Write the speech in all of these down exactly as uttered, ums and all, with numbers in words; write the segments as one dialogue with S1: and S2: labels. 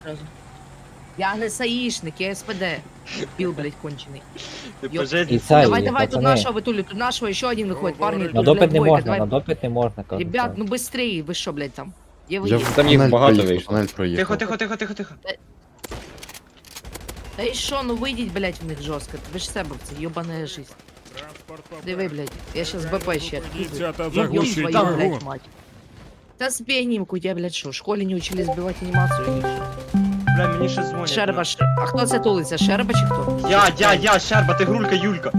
S1: Я не саїшник, я СПД. Піл, блядь, кончений.
S2: Ти
S1: Йоп.
S2: по житті.
S3: І це,
S1: Давай,
S3: і
S1: давай, тут
S3: пацани,
S1: нашого витулю, тут нашого, ще один виходить, парні.
S3: на
S1: тут, блядь,
S3: допит не
S1: двойка,
S3: можна,
S1: давай.
S3: на допит не можна, кажу.
S1: Ребят, ну быстрее, ви що, блядь, там? Є ви
S4: Я
S1: є.
S4: в
S5: Там їх
S4: тунель
S5: багато
S4: проїхав,
S5: вийшло.
S4: тунель проїхав.
S2: Тихо, тихо, тихо, тихо, тихо.
S1: Та і що, ну вийдіть, блядь, в них жорстко. Ви ж себовці, йобана жизнь. Диви, блядь, я щас БП ще.
S6: Ребята,
S1: Ну, ёб
S6: заглушить
S1: твою,
S6: огонь.
S1: блядь, мать. Да сбей нимку, я, блядь, что, в школе не учили сбивать анимацию или что?
S2: Бля, мені ще дзвонять.
S1: Шерба, ш... а хто це тулиться? Шерба чи хто?
S2: Я, я, я, Щерба, ти грулька, Юлька.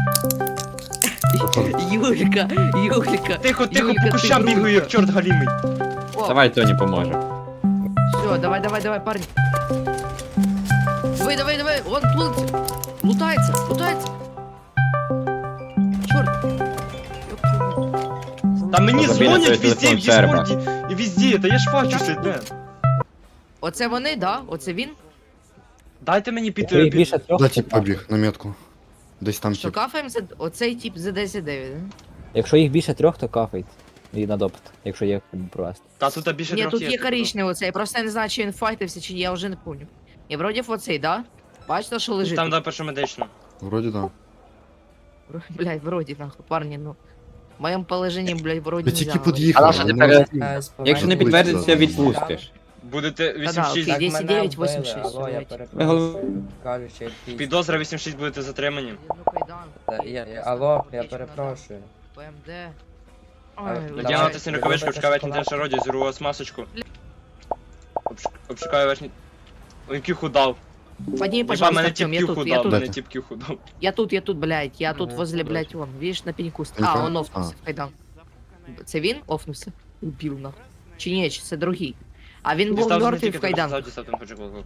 S1: Юлька, Юлька.
S2: Тихо, тихо,
S1: Юлька,
S2: по
S1: ти
S2: кущам
S1: грулька.
S2: бігаю, як чорт галімий.
S1: О,
S5: Давай Тоні поможе.
S1: все, давай, давай, давай, парни. Давай, давай, давай, он плылся. Лутается, лутается. Черт.
S2: Та мені
S5: Забій на
S2: дзвонять
S5: той
S2: везде, в
S5: телефон Щерба.
S2: Діскорді і везде, та я ж фачуся, де.
S1: Оце вони, да? Оце він?
S2: Дайте мені під...
S3: Якщо їх
S2: під-
S3: більше трьох,
S4: Да,
S3: то
S4: тип
S3: так.
S4: побіг на метку. Десь там
S1: Що
S4: тип.
S1: кафаємо за... Оцей тип за десять дев'ять, да?
S3: Якщо їх більше трьох, то кафають. І на допит, якщо є куди провести.
S2: Та тут більше
S1: Ні,
S2: трьох
S1: тут є
S2: тут.
S1: коричневий оцей, просто я не знаю, чи він файтився, чи ні, я вже не пам'ятаю. І вроді оцей, да? Бачите, що лежить?
S2: Там
S1: тут?
S2: да першу медичну.
S4: Вроді да.
S1: Блядь, вроді нахуй, парні, ну. В моєму положенні, блядь, вроді
S4: Ви
S1: не
S4: тільки
S1: знаю.
S4: під'їхали.
S5: А наша
S4: ну,
S5: тепер-
S4: ну,
S5: Якщо не
S4: Близько,
S5: підтвердиться,
S4: да.
S5: відпустиш.
S2: Будете
S1: Та-да,
S2: вісім шість.
S1: окей. десять дев'ять, восемь шесть,
S7: Алло, я
S1: давайте.
S5: Ми голов-
S7: перепрошую. Кажу, що якийсь...
S2: Підозра вісім шість будете затримані.
S1: Ну, кайдан.
S7: Та, я- я- Алло, я перепрошую.
S1: ПМД.
S7: А,
S1: Ой,
S7: Давай.
S2: Надягнути синю рукавичку,
S7: Давай.
S2: обшукаю верхній шароді, зіру вас масочку. Обш- Обшукаю верхній... Ой, кюху дав.
S1: Подними,
S2: Єба,
S1: пожалуйста,
S2: мене
S1: Артем,
S2: тип
S1: я
S2: кюху
S1: тут, я
S2: дав,
S1: тут,
S2: мене
S4: Дайте.
S2: тип кюху дав.
S1: я тут, я тут, блядь, я тут
S7: Ага,
S1: возле,
S2: добре.
S1: блядь, вон, видишь, на пеньку. ст-
S4: Пенька?
S1: А, он офнувся,
S4: А.
S1: кайдан. Це він офнувся? Убив, нахуй. Чи ні, чи це другий? А він був
S2: Дістав з
S1: мертвий
S2: тільки
S1: в кайданках.
S2: дістав, там почекав.